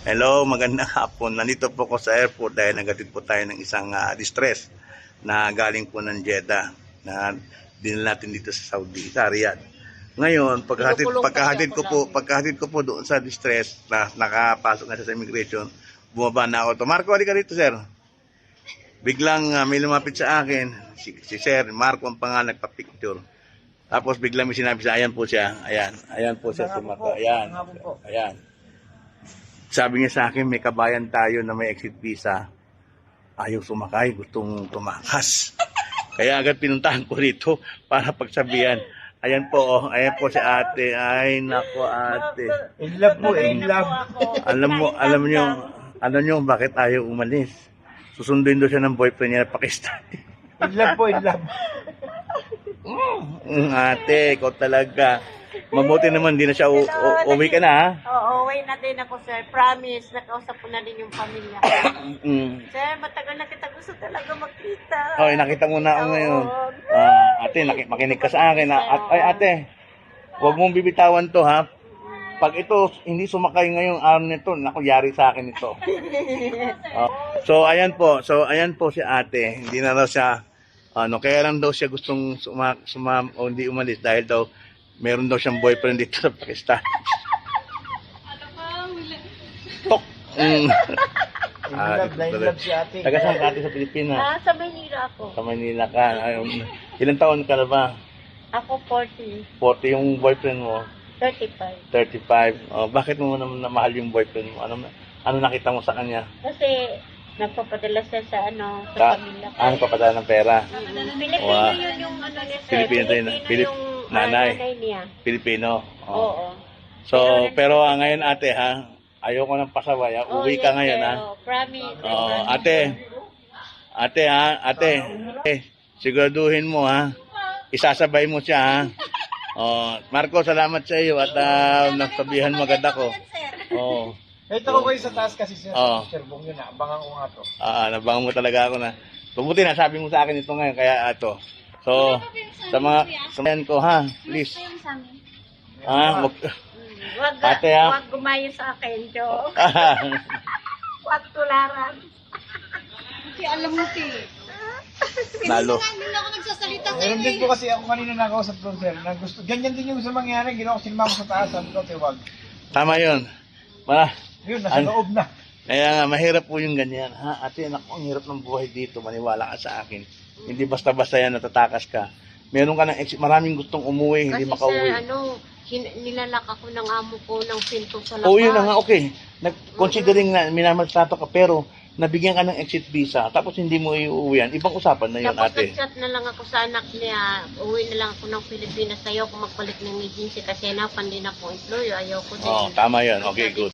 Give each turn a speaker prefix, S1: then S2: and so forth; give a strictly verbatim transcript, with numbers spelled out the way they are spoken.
S1: Hello, magandang hapon. Nandito po ko sa airport dahil nagatid po tayo ng isang uh, distress na galing po ng Jeddah na dinala natin dito sa Saudi, sa Riyadh. Ngayon, pagkahatid, pagkahatid ko po, pagkahatid ko po doon sa distress na nakapasok na sa immigration, bumaba na ako. To, Marco, halika dito, sir. Biglang uh, may lumapit sa akin, si, si Sir Marco ang pangalan, nagpa-picture. Tapos biglang may sinabi sa ayan po siya, ayan, ayan po siya si Marco, ayan, ayan. Sabi niya sa akin, may kabayan tayo na may exit visa. Ayaw sumakay, gustong tumakas. Kaya agad pinuntahan ko rito para pagsabihan. Ayan po, oh, ayan po si ate. Ay, nako ate.
S2: In love mo, in love.
S1: Alam mo, alam niyo, alam niyo bakit ayaw umalis. Susunduin daw siya ng boyfriend niya na Pakistani.
S2: In love po, in love.
S1: Mm, ate, ikaw talaga. Mabuti naman, di na siya u- u- uwi ka na, ha?
S3: Oo, uwi na din ako, sir. Promise, nakausap ko na din yung pamilya.
S1: Mm.
S3: Sir, matagal na kita gusto talaga makita.
S1: Okay, nakita mo na ako ngayon. Ah, ate, naki- makinig ka sa akin. Ha? At, ay, ate, huwag mong bibitawan to, ha? Pag ito, hindi sumakay ngayong araw nito, naku, yari sa akin ito. Oh. So, ayan po. So, ayan po si ate. Hindi na daw siya, ano, kaya lang daw siya gustong suma, suma o hindi umalis dahil daw, meron daw siyang boyfriend dito sa Pakistan. Tok! Mm.
S2: In
S1: Ah,
S2: love na in love si ate.
S1: Taga saan ka ate sa Pilipinas?
S3: Ah, sa Manila ako.
S1: Sa Manila ka. Ay, um, ilang taon ka na ba?
S3: Ako forty,
S1: forty yung boyfriend mo?
S3: thirty-five.
S1: thirty-five. Oh, bakit mo naman namahal yung boyfriend mo? Ano, ano nakita mo sa kanya?
S3: Kasi, nagpapadala siya sa ano, sa
S1: Ka,
S3: pamilya ko.
S1: ano papadala ng pera?
S3: Mm, Pilipino
S1: Wow.
S3: yun yung ano niya, sir.
S1: Filipino din, Filip-
S3: yung
S1: nanay.
S3: ah, nanay niya.
S1: Pilipino. Oh.
S3: Oo.
S1: So, pero ah, ngayon ate ha, ayoko ng pasaway. Ha?
S3: Oh,
S1: Uwi
S3: yes,
S1: ka ngayon
S3: sir.
S1: ha.
S3: Oh, promise. I
S1: Oh,
S3: promise.
S1: ate. Ate ha, ate. Eh, siguraduhin mo ha. Isasabay mo siya ha. Oh, Marco, salamat sa iyo at uh, nagsabihan mo agad ako. Oh.
S2: Kahit ako kayo sa taas kasi siya
S1: Oo.
S2: sa Sir Bong yun, abangan ko nga to.
S1: Ah, nabangan mo talaga ako na. Mabuti na sabi mo sa akin ito ngayon kaya ato. So, sa mga sa mga ko ha, please. Ha, wag
S3: Mm, Wag,
S1: Ate, ah.
S3: wag gumayo sa akin, Jo. Wag tularan.
S4: Kasi alam mo, si.
S1: nalo.
S4: Hindi na ako nagsasalita sa
S2: Meron
S4: inyo.
S2: din po kasi ako kanina nakausap ko, sir, na gusto, ganyan din yung gusto mangyari, ginawa ko sinima ko sa taas, sabi ko, wag.
S1: Tama 'yun. Ma,
S2: Yun, nasa
S1: Ano?
S2: loob na.
S1: kaya nga mahirap po yung ganyan. Ha, ate, naku, ang hirap ng buhay dito. Maniwala ka sa akin. Hindi basta-basta yan natatakas ka. Meron ka ng exit, maraming gustong umuwi, hindi
S3: Kasi
S1: makauwi.
S3: sir, ano, hin- nilalak ako ng amo ko ng pinto sa labas.
S1: Oo, yun na nga, okay. Nag considering na minamaltrato ka, pero nabigyan ka ng exit visa, tapos hindi mo iuwian, ibang usapan na yun,
S3: Tapos
S1: ate.
S3: nag-chat na lang ako sa anak niya, uwi na lang ako ng Pilipinas, ayaw ko magpalit ng agency kasi hanapan din ako employer, ayaw ko din.
S1: Oh, tama yun. Okay, good.